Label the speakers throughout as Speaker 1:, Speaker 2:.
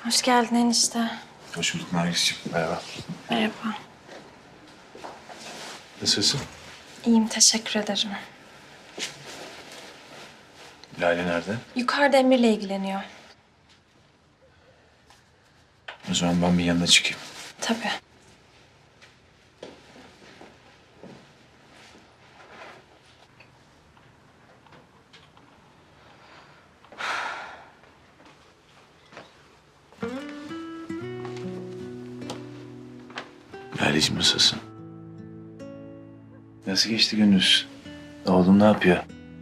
Speaker 1: Hoş geldin enişte.
Speaker 2: Hoş bulduk Nergis'ciğim. Merhaba.
Speaker 1: Merhaba.
Speaker 2: Nasılsın?
Speaker 1: İyiyim, teşekkür ederim.
Speaker 2: Lale nerede?
Speaker 1: Yukarıda Emir'le ilgileniyor.
Speaker 2: O zaman ben bir yanına çıkayım.
Speaker 1: Tabii.
Speaker 2: Laleciğim nasılsın? Nasıl geçti gününüz? Oğlum ne yapıyor?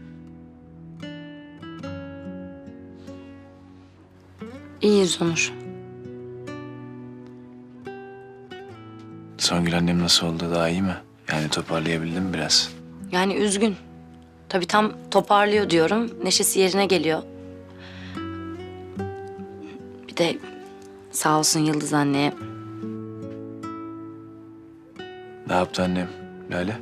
Speaker 3: İyiyiz Onur.
Speaker 2: Songül annem nasıl oldu? Daha iyi mi? Yani toparlayabildin mi biraz?
Speaker 3: Yani üzgün. Tabii tam toparlıyor diyorum. Neşesi yerine geliyor. Bir de sağ olsun Yıldız anneye.
Speaker 2: Ne yaptı annem? Lale?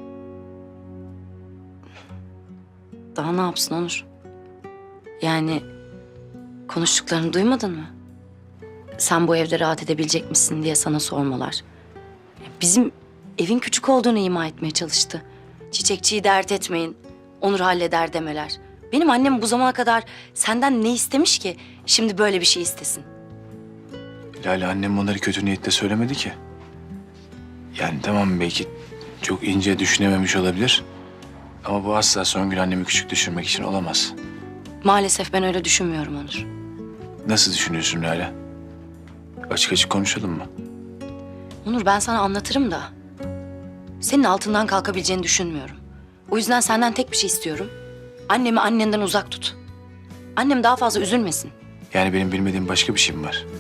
Speaker 3: Daha ne yapsın Onur? Yani konuştuklarını duymadın mı? Sen bu evde rahat edebilecek misin diye sana sormalar. Bizim evin küçük olduğunu ima etmeye çalıştı. Çiçekçiyi dert etmeyin, Onur halleder demeler. Benim annem bu zamana kadar senden ne istemiş ki şimdi böyle bir şey istesin?
Speaker 2: Lale annem bunları kötü niyetle söylemedi ki. Yani tamam belki çok ince düşünememiş olabilir. Ama bu asla Songül annemi küçük düşürmek için olamaz.
Speaker 3: Maalesef ben öyle düşünmüyorum Onur.
Speaker 2: Nasıl düşünüyorsun Lale? Açık açık konuşalım mı?
Speaker 3: Onur ben sana anlatırım da senin altından kalkabileceğini düşünmüyorum. O yüzden senden tek bir şey istiyorum. Annemi annenden uzak tut. Annem daha fazla üzülmesin.
Speaker 2: Yani benim bilmediğim başka bir şey mi var?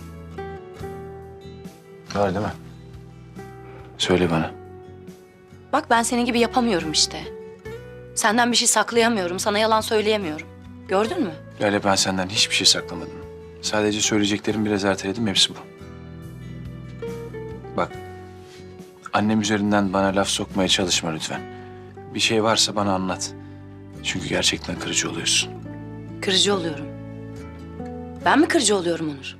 Speaker 2: Var değil mi? Söyle bana.
Speaker 3: Bak ben senin gibi yapamıyorum işte. Senden bir şey saklayamıyorum, sana yalan söyleyemiyorum. Gördün mü?
Speaker 2: Lale ben senden hiçbir şey saklamadım. Sadece söyleyeceklerimi biraz erteledim, hepsi bu. Bak, annem üzerinden bana laf sokmaya çalışma lütfen. Bir şey varsa bana anlat. Çünkü gerçekten kırıcı oluyorsun.
Speaker 3: Kırıcı oluyorum. Ben mi kırıcı oluyorum Onur?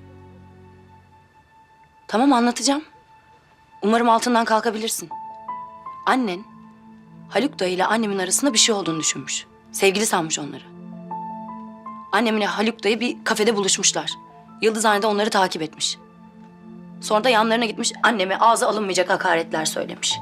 Speaker 3: Tamam anlatacağım. Umarım altından kalkabilirsin. Annen Haluk dayı ile annemin arasında bir şey olduğunu düşünmüş. Sevgili sanmış onları. Annemle Haluk dayı bir kafede buluşmuşlar. Yıldızhane de onları takip etmiş. Sonra da yanlarına gitmiş anneme ağza alınmayacak hakaretler söylemiş.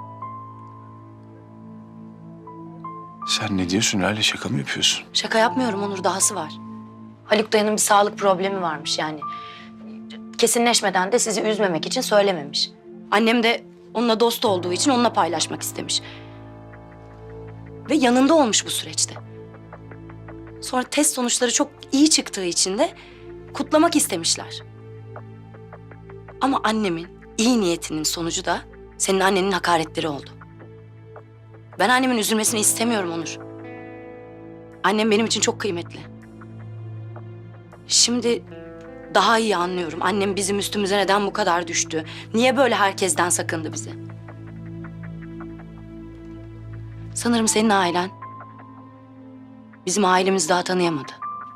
Speaker 2: Sen ne diyorsun Lale, şaka mı yapıyorsun?
Speaker 3: Şaka yapmıyorum Onur, dahası var. Haluk dayının bir sağlık problemi varmış yani. Kesinleşmeden de sizi üzmemek için söylememiş. Annem de onunla dost olduğu için onunla paylaşmak istemiş. Ve yanında olmuş bu süreçte. Sonra test sonuçları çok iyi çıktığı için de kutlamak istemişler. Ama annemin iyi niyetinin sonucu da senin annenin hakaretleri oldu. Ben annemin üzülmesini istemiyorum Onur. Annem benim için çok kıymetli. Şimdi daha iyi anlıyorum. Annem bizim üstümüze neden bu kadar düştü? Niye böyle herkesten sakındı bizi? Sanırım senin ailen bizim ailemizi daha tanıyamadı.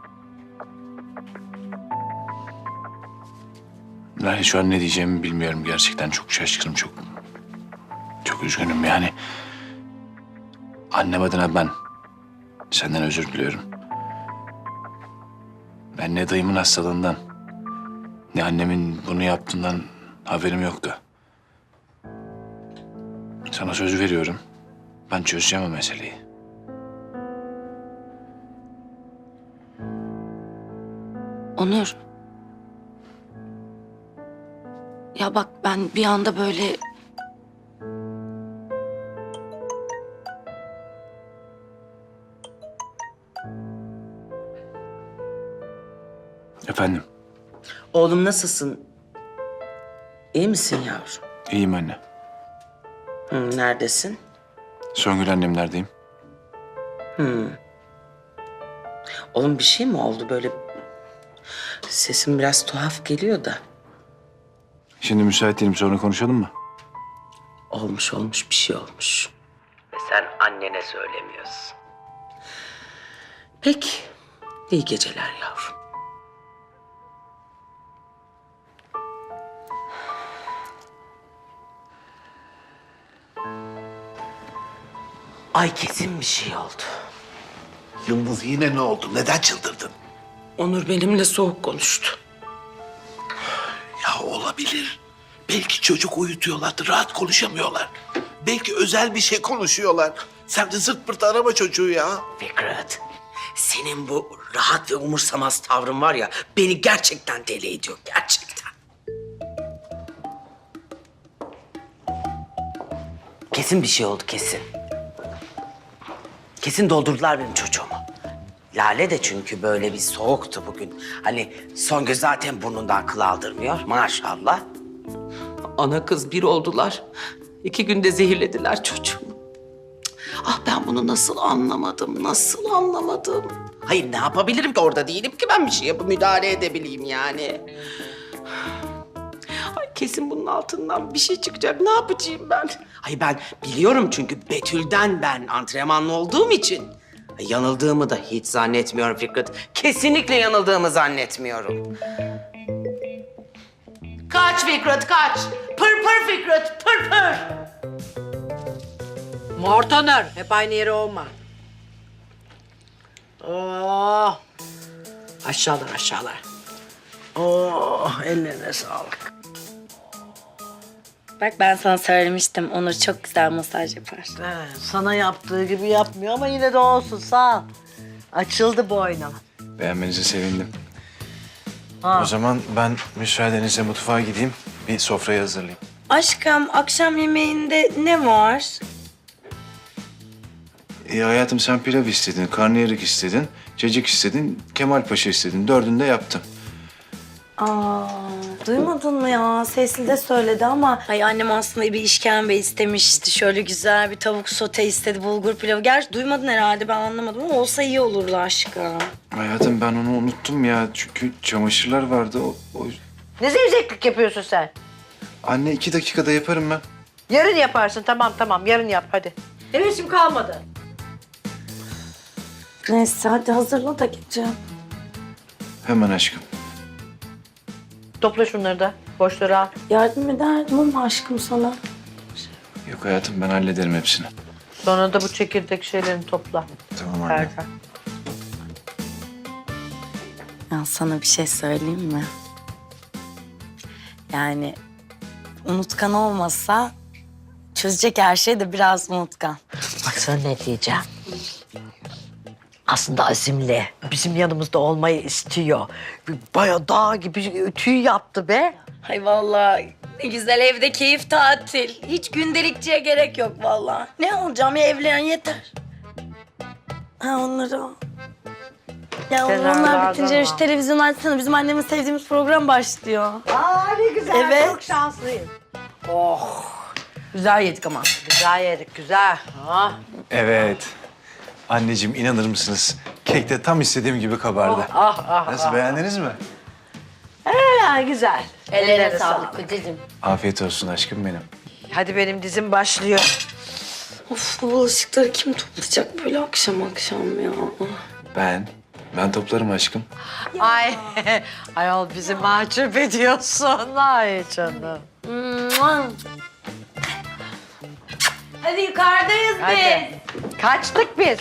Speaker 2: Lale şu an ne diyeceğimi bilmiyorum gerçekten. Çok şaşkınım, çok üzgünüm yani. Annem adına ben senden özür diliyorum. Ben ne dayımın hastalığından ne annemin bunu yaptığından haberim yoktu. Sana söz veriyorum. Ben çözeceğim o meseleyi.
Speaker 3: Onur. Ya bak ben bir anda böyle...
Speaker 2: Efendim,
Speaker 4: Oğlum nasılsın? İyi misin yavrum?
Speaker 2: iyiyim anne.
Speaker 4: Neredesin?
Speaker 2: Songül annemlerdeyim.
Speaker 4: Oğlum bir şey mi oldu böyle? Sesin biraz tuhaf geliyor da.
Speaker 2: Şimdi müsait değilim, sonra konuşalım mı?
Speaker 4: Olmuş bir şey olmuş. Ve sen annene söylemiyorsun. Peki. İyi geceler yavrum. Ay kesin bir şey oldu.
Speaker 5: Yıldız yine ne oldu? Neden çıldırdın?
Speaker 4: Onur benimle soğuk konuştu.
Speaker 5: Ya olabilir. Belki çocuk uyutuyorlardı, rahat konuşamıyorlar. Belki özel bir şey konuşuyorlar. Sen de zırt pırt arama çocuğu ya.
Speaker 4: Fikret, senin bu rahat ve umursamaz tavrın var ya beni gerçekten deli ediyor, gerçekten. Kesin bir şey oldu, kesin. Kesin doldurdular benim çocuğumu. Lale de çünkü böyle bir soğuktu bugün. Hani Songül zaten burnundan kıl aldırmıyor maşallah. Ana kız bir oldular. 2 günde zehirlediler çocuğumu. Ah ben bunu nasıl anlamadım, nasıl anlamadım? Hayır ne yapabilirim ki orada değilim ki ben bir şey yapıp müdahale edebileyim yani. Ay kesin bunun altından bir şey çıkacak. Ne yapacağım ben? Ay ben biliyorum çünkü Betül'den ben antrenmanlı olduğum için. Ay, yanıldığımı da hiç zannetmiyorum Fikret. Kesinlikle yanıldığımı zannetmiyorum. Kaç Fikret kaç. Pır pır Fikret pır pır.
Speaker 6: Mortoner, hep aynı yere olma. Oh. Aşağılar, aşağılar. Oh, ellerine sağlık.
Speaker 3: Bak ben sana söylemiştim. Onur çok güzel masaj yapar.
Speaker 6: Sana yaptığı gibi yapmıyor ama yine de olsun, sağ ol. Açıldı boynum.
Speaker 2: Beğenmenize sevindim.
Speaker 6: Ha.
Speaker 2: O zaman ben müsaadenizle mutfağa gideyim. Bir sofrayı hazırlayayım.
Speaker 3: Aşkım akşam yemeğinde ne var?
Speaker 2: Hayatım sen pilav istedin, karnıyarık istedin, cacık istedin, Kemal Paşa istedin. 4'ünü de yaptım.
Speaker 3: Aa, duymadın mı ya? Sesli de söyledi ama. Ay annem aslında bir işkembe istemişti. Şöyle güzel bir tavuk sote istedi, bulgur pilavı. Gerçi duymadın herhalde, ben anlamadım ama olsa iyi olurdu aşkım.
Speaker 2: Hayatım ben onu unuttum ya. Çünkü çamaşırlar vardı.
Speaker 6: Ne zevzeklik yapıyorsun sen?
Speaker 2: Anne 2 dakikada yaparım ben.
Speaker 6: Yarın yaparsın, tamam, yarın yap hadi. Hevesim kalmadı.
Speaker 3: Neyse hadi hazırla da gideceğim.
Speaker 2: Hemen aşkım.
Speaker 6: Topla şunları da, boşları al.
Speaker 3: Yardım ederdim ama aşkım sana.
Speaker 2: Yok hayatım ben hallederim hepsini.
Speaker 6: Sonra da bu çekirdek şeylerini topla.
Speaker 2: Tamam anne.
Speaker 6: Erkan.
Speaker 3: Ya sana bir şey söyleyeyim mi? Yani unutkan olmasa çözecek her şey de biraz unutkan.
Speaker 6: Bak sana ne diyeceğim. Aslında azimli. Bizim yanımızda olmayı istiyor. Bayağı dağ gibi tüy yaptı be.
Speaker 3: Ay vallahi ne güzel evde keyif tatil. Hiç gündelikçiye gerek yok vallahi. Ne alacağım ya, evlen yeter. Ha onları al. Ya
Speaker 6: Sen
Speaker 3: onlar
Speaker 6: al,
Speaker 3: bitince
Speaker 6: al.
Speaker 3: şu televizyon açsana. Bizim annemin sevdiğimiz program başlıyor.
Speaker 6: Aa ne güzel,
Speaker 3: Evet.
Speaker 6: çok şanslıyım. Oh, güzel yedik ama. Güzel yedik, güzel. Ah.
Speaker 2: Evet. Anneciğim inanır mısınız? Kek de tam istediğim gibi kabardı. Nasıl beğendiniz mi?
Speaker 6: Ya güzel.
Speaker 3: Ellerine sağlık kocacığım.
Speaker 2: Afiyet olsun aşkım benim.
Speaker 6: Hadi benim dizim başlıyor.
Speaker 3: Of bu bulaşıkları kim toplayacak böyle akşam akşam ya?
Speaker 2: Ben toplarım aşkım.
Speaker 6: Ay, ayol bizi mahcup ediyorsun. Ay canım.
Speaker 3: Hadi yukarıdayız
Speaker 6: Hadi. Kaçtık biz.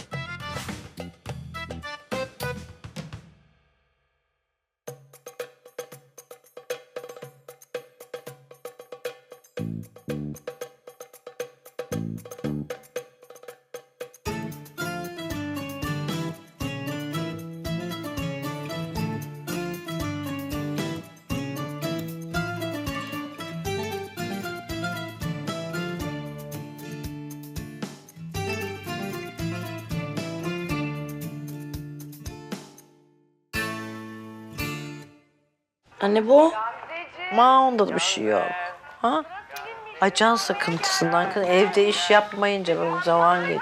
Speaker 3: Anne bu.
Speaker 6: Onda da bir şey yok. Ha? Ay can sıkıntısından kız evde iş yapmayınca bu zaman geçiyor.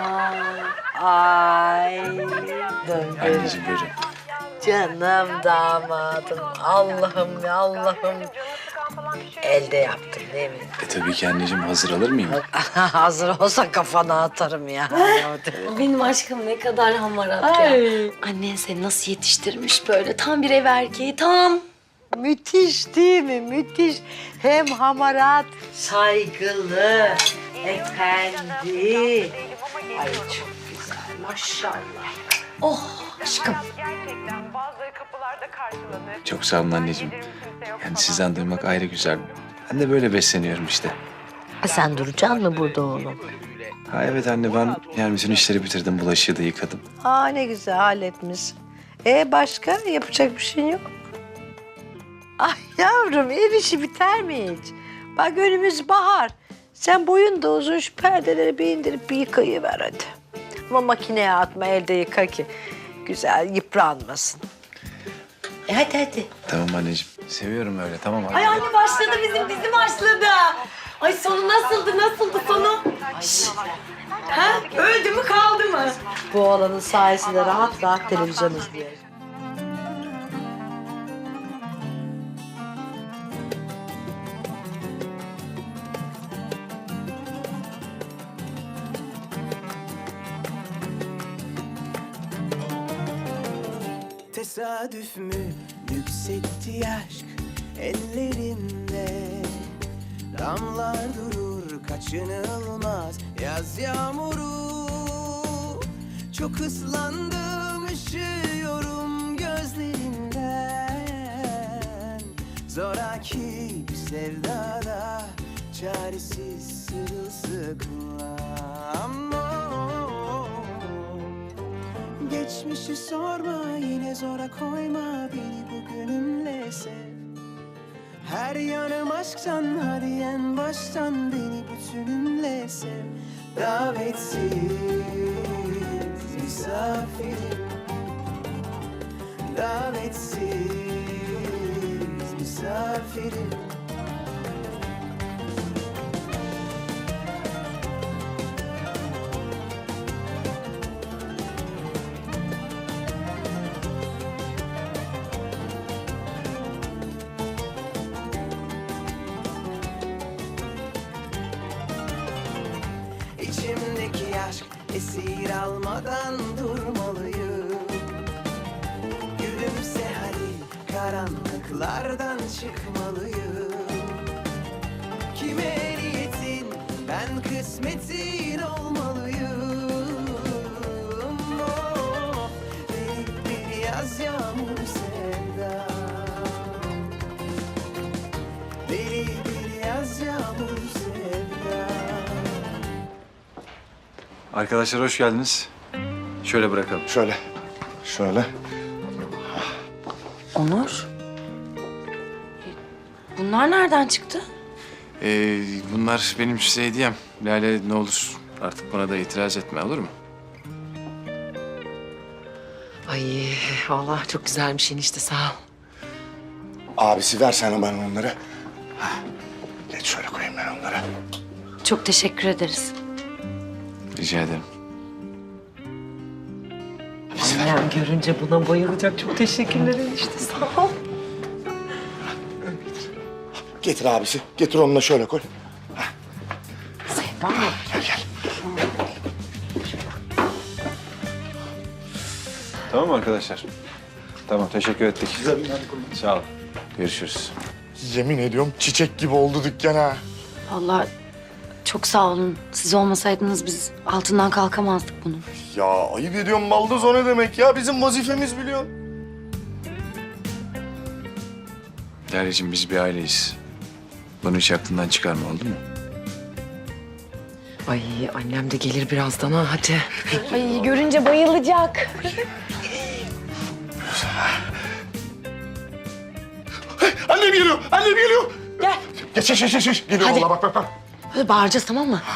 Speaker 6: Ay.
Speaker 2: Anneciğim buyurun.
Speaker 6: Canım damadım. Allah'ım ya Allah'ım. Elde yaptım değil mi?
Speaker 2: Tabii ki anneciğim hazır alır mıyım?
Speaker 6: Hazır olsa kafana atarım ya.
Speaker 3: Benim aşkım ne kadar hamarat ya.
Speaker 6: Ay.
Speaker 3: Annen seni nasıl yetiştirmiş böyle, tam bir ev erkeği, tam.
Speaker 6: Müthiş değil mi? Müthiş. Hem hamarat, saygılı, efendi. Ay çok güzel maşallah.
Speaker 3: Oh aşkım.
Speaker 7: Gerçekten bazıları kapılarda karşılanır.
Speaker 2: Çok sağ olun anneciğim. Yani sizden duymak ayrı güzel. Ben de böyle besleniyorum işte.
Speaker 6: Sen duracaksın mı burada oğlum?
Speaker 2: Ha evet anne, ben yani bütün işleri bitirdim. Bulaşığı da yıkadım.
Speaker 6: Aa ne güzel halletmişsin. Başka yapacak bir şey yok mu? Ay yavrum ev işi biter mi hiç? Bak önümüz bahar. Sen boyun da uzun şu perdeleri bir indirip bir yıkayıver hadi. Ama makineye atma elde yıka ki güzel yıpranmasın. Hadi.
Speaker 2: Tamam anneciğim. Seviyorum öyle, tamam anne.
Speaker 3: Ay anne başladı bizim dizi başladı. Ay sonu nasıldı sonu? Şşş. Ha? Öldü mü kaldı mı?
Speaker 6: Bu oğlanın sayesinde rahat rahat televizyon izliyoruz.
Speaker 8: Tesadüf mü yükseltti aşk ellerimde. Damlar durur kaçınılmaz yaz yağmuru. Çok ıslandım ışıyorum gözlerinden. Zoraki bir sevdada çaresiz sırılsıklam. Geçmişi sorma yine zora koyma beni bugünümle sev. Her yanım aşktan hadi en baştan beni bütünümle sev. Davetsiz misafirim. Davetsiz misafirim. İçimdeki aşk esir almadan durmalıyım. Gülümse hadi karanlıklardan çıkmalıyım. Kime niyetin ben kısmetin olmalıyım. Oh, bir yaz yağmur sevda. Deli bir yaz yağmur sevda.
Speaker 2: Arkadaşlar hoş geldiniz. Şöyle bırakalım.
Speaker 9: Şöyle.
Speaker 3: Onur. Bunlar nereden çıktı?
Speaker 2: Bunlar benim size hediyem. Lale ne olur artık buna da itiraz etme, olur mu?
Speaker 10: Ay vallahi çok güzelmiş enişte sağ ol.
Speaker 9: Abisi versene bana onları. Hah. Geç şöyle koyayım ben onları.
Speaker 3: Çok teşekkür ederiz.
Speaker 2: Rica ederim.
Speaker 10: Annem görünce buna bayılacak. Çok teşekkürler enişte sağ ol.
Speaker 9: Getir abisi. Getir onu da şöyle koy.
Speaker 10: Sevda mı?
Speaker 9: Gel.
Speaker 2: Tamam mı arkadaşlar? Tamam, teşekkür ettik. Sağ ol. Görüşürüz.
Speaker 9: Yemin ediyorum çiçek gibi oldu dükkan ha.
Speaker 3: Vallahi çok sağ olun. Siz olmasaydınız biz altından kalkamazdık bunun.
Speaker 9: Ya ayıp ediyorum baldız o ne demek ya? Bizim vazifemiz biliyorsun.
Speaker 2: Lale'cim biz bir aileyiz. Bunu hiç aklından çıkarma, oldu mu?
Speaker 10: Ay annem de gelir birazdan ha hadi.
Speaker 3: Ay görünce bayılacak.
Speaker 9: Annem geliyor. Annem geliyor.
Speaker 3: Gel.
Speaker 9: Geç. Geliyor
Speaker 3: Hadi.
Speaker 9: vallahi bak.
Speaker 3: Böyle bağıracağız tamam mı?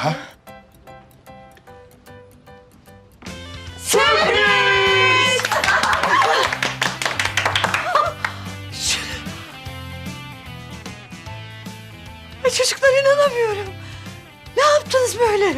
Speaker 6: Ay çocuklar inanamıyorum. Ne yaptınız böyle?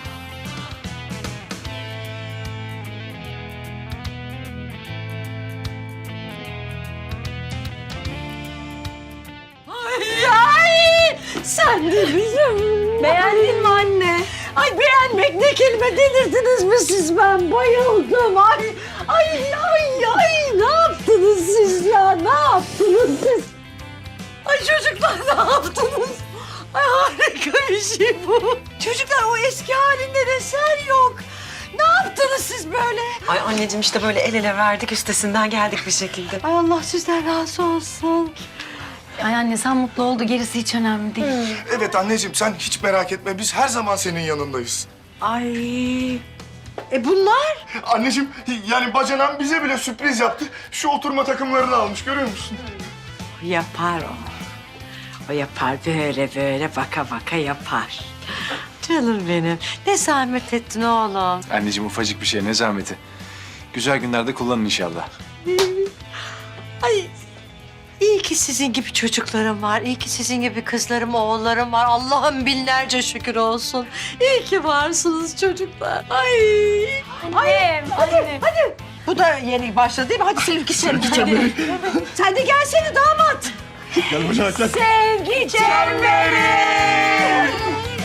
Speaker 6: Ay sen de bizim. Beğendin mi anne? Ay beğenmek ne kelime, delirdiniz mi siz? Ben bayıldım. Ay ne yaptınız siz ya? Ne yaptınız siz? Ay çocuklar ne yaptınız? Ay harika bir şey bu. Çocuklar o eski halinde eser yok. yaptınız siz böyle?
Speaker 10: Ay anneciğim işte böyle el ele verdik üstesinden geldik bir şekilde.
Speaker 6: Ay Allah sizden razı olsun.
Speaker 3: Ay anne sen mutlu oldu, gerisi hiç önemli değil.
Speaker 9: Evet anneciğim sen hiç merak etme. Biz her zaman senin yanındayız.
Speaker 6: Ay. Bunlar?
Speaker 9: Anneciğim yani bacanan bize bile sürpriz yaptı. Şu oturma takımlarını almış görüyor musun?
Speaker 6: Yapar o. O yapar böyle baka baka yapar. Canım benim. Ne zahmet ettin oğlum.
Speaker 2: Anneciğim ufacık bir şey ne zahmeti. Güzel günlerde kullanın inşallah.
Speaker 6: Ay iyi ki sizin gibi çocuklarım var. İyi ki sizin gibi kızlarım, oğullarım var. Allah'ım binlerce şükür olsun. İyi ki varsınız çocuklar. Ay. Annem, hadi. Bu da yeni başladı değil mi? Hadi sevgi çemberi. Sen de gelsene damat.
Speaker 9: Gel bacanak gel.
Speaker 6: Sevgi çemberi.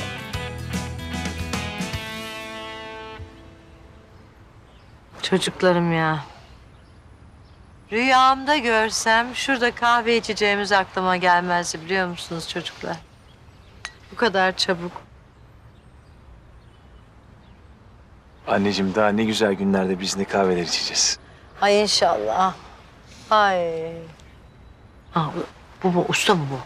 Speaker 6: Çocuklarım ya. Rüyamda görsem şurada kahve içeceğimiz aklıma gelmezdi biliyor musunuz çocuklar? Bu kadar çabuk.
Speaker 2: Anneciğim daha ne güzel günlerde biz ne kahveler içeceğiz.
Speaker 6: Ay inşallah. Ay. Ha, bu usta mı bu?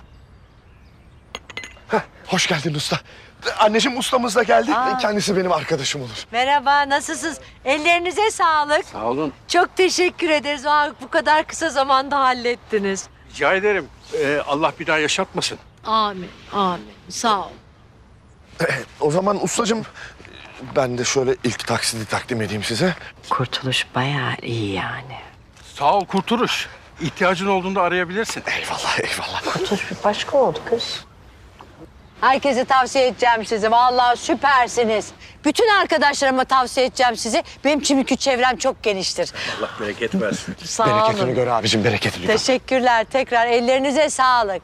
Speaker 9: Hoş geldin usta. Anneciğim ustamız da geldi.
Speaker 6: Aa.
Speaker 9: Kendisi benim arkadaşım olur.
Speaker 6: Merhaba, nasılsınız? Ellerinize sağlık.
Speaker 5: Sağ olun.
Speaker 6: Çok teşekkür ederiz. Bu kadar kısa zamanda hallettiniz.
Speaker 5: Rica ederim. Allah bir daha yaşatmasın.
Speaker 6: Amin, amin. Sağ ol.
Speaker 9: O zaman ustacığım ben de şöyle ilk taksidi takdim edeyim size.
Speaker 6: Kurtuluş bayağı iyi yani.
Speaker 5: Sağ ol Kurtuluş. İhtiyacın olduğunda arayabilirsin.
Speaker 9: Eyvallah eyvallah.
Speaker 6: Kurtuluş bir başka oldu kız. Herkese tavsiye edeceğim sizi. Vallahi süpersiniz. Bütün arkadaşlarıma tavsiye edeceğim sizi. Benim çünkü çevrem çok geniştir.
Speaker 5: Allah bereket versin.
Speaker 6: Sağ
Speaker 9: Bereketini
Speaker 6: olun.
Speaker 9: gör abicim bereketini gör.
Speaker 6: Teşekkürler. Tekrar ellerinize sağlık.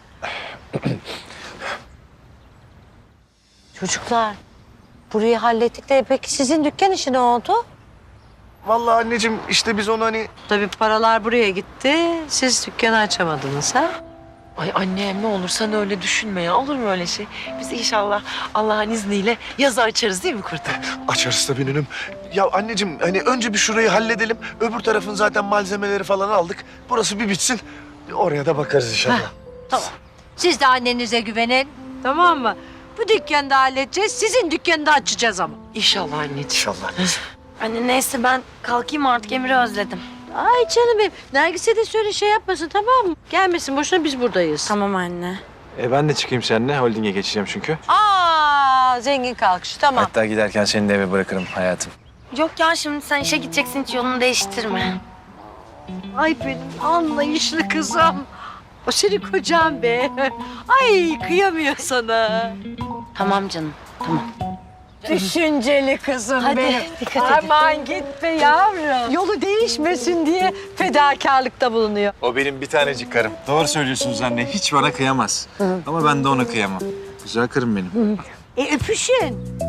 Speaker 6: Çocuklar, burayı hallettik de peki sizin dükkan işi ne oldu?
Speaker 9: Vallahi anneciğim işte biz onu hani...
Speaker 6: Tabii paralar buraya gitti. Siz dükkanı açamadınız ha?
Speaker 10: Ay annem ne olur sen öyle düşünme ya. Olur mu öyle şey? Biz inşallah Allah'ın izniyle yazı açarız değil mi Kurtul?
Speaker 9: Açarız tabii nünüm. Ya anneciğim hani önce bir şurayı halledelim. Öbür tarafın zaten malzemeleri falan aldık. Burası bir bitsin. Oraya da bakarız inşallah.
Speaker 6: Tamam. Siz de annenize güvenin. Tamam mı? Bu dükkanı da halledeceğiz. Sizin dükkanı da açacağız ama.
Speaker 10: İnşallah anneciğim.
Speaker 9: İnşallah.
Speaker 3: Anne neyse ben kalkayım artık, Emir'i özledim.
Speaker 6: Ay canım benim. Nergis'e de söyle şey yapmasın tamam mı? Gelmesin boşuna biz buradayız.
Speaker 3: Tamam anne.
Speaker 2: Ben de çıkayım seninle. Holding'e geçeceğim çünkü.
Speaker 6: Aa zengin kalkışı tamam.
Speaker 2: Hatta giderken seni de eve bırakırım hayatım.
Speaker 3: Yok ya şimdi sen işe gideceksin, hiç yolunu değiştirme.
Speaker 6: Ay benim anlayışlı kızım. O senin kocan be. Ay kıyamıyor sana.
Speaker 3: Tamam canım, tamam.
Speaker 6: Düşünceli kızım
Speaker 3: Hadi,
Speaker 6: benim.
Speaker 3: dikkat et.
Speaker 6: Aman git be yavrum. Yolu değişmesin diye fedakarlıkta bulunuyor.
Speaker 2: O benim bir tanecik karım. Doğru söylüyorsunuz anne. Hiç bana kıyamaz. Ama ben de ona kıyamam. Güzel karım benim.
Speaker 6: Öpüşün.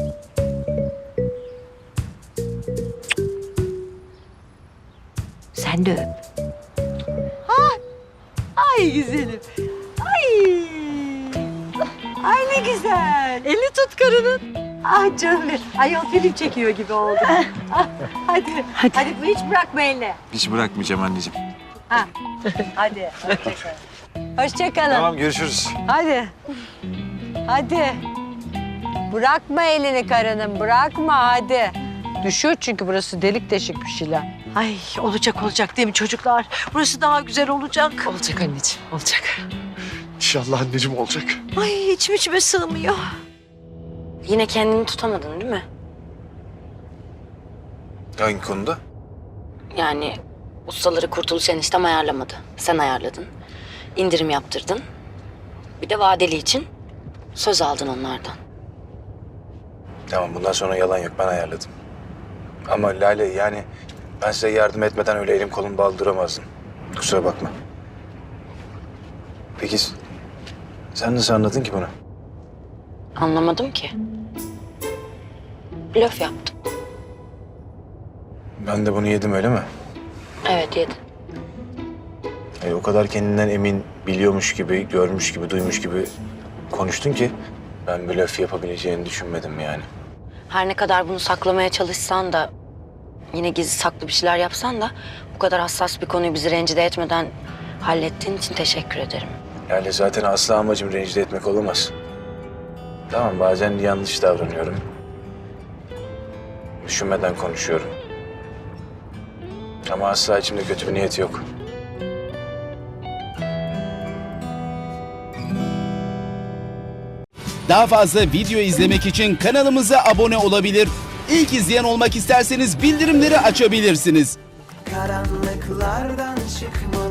Speaker 6: Sen de öp. Ha? Ay güzelim. Ay. Ay ne güzel. Eli tut karının. Ah canım benim. Ay o film çekiyor gibi oldu. Ah, hadi. Hadi hiç bırakma elini.
Speaker 2: Hiç bırakmayacağım anneciğim.
Speaker 6: Ha. Hadi. Hoşçakalın. Hoşçakalın.
Speaker 2: Tamam görüşürüz.
Speaker 6: Hadi. Hadi. Bırakma elini karının, bırakma hadi. Düşüyor çünkü burası delik deşik bir şeyler. Ay olacak değil mi çocuklar? Burası daha güzel olacak.
Speaker 10: Olacak anneciğim olacak.
Speaker 9: İnşallah anneciğim olacak.
Speaker 6: Ay içime sığmıyor.
Speaker 3: Yine kendini tutamadın değil mi?
Speaker 2: Hangi konuda?
Speaker 3: Yani ustaları Kurtuluş eniştem ayarlamadı. Sen ayarladın. İndirim yaptırdın. Bir de vadeli için söz aldın onlardan.
Speaker 2: Tamam bundan sonra yalan yok. Ben ayarladım. Ama Lale yani ben size yardım etmeden öyle elim kolum bağlı duramazdım. Kusura bakma. Peki sen nasıl anladın ki bunu?
Speaker 3: Anlamadım ki. Blöf yaptım.
Speaker 2: Ben de bunu yedim öyle mi?
Speaker 3: Evet yedin.
Speaker 2: O kadar kendinden emin, biliyormuş gibi, görmüş gibi, duymuş gibi konuştun ki ben blöf yapabileceğini düşünmedim yani.
Speaker 3: Her ne kadar bunu saklamaya çalışsan da, yine gizli saklı bir şeyler yapsan da bu kadar hassas bir konuyu bizi rencide etmeden hallettiğin için teşekkür ederim.
Speaker 2: Lale zaten asla amacım rencide etmek olamaz. Tamam bazen yanlış davranıyorum. Düşünmeden konuşuyorum. Ama asla içimde kötü bir niyet yok.
Speaker 11: Daha fazla video izlemek için kanalımıza abone olabilir. İlk izleyen olmak isterseniz bildirimleri açabilirsiniz.
Speaker 8: karanlıklardan çıkmalı.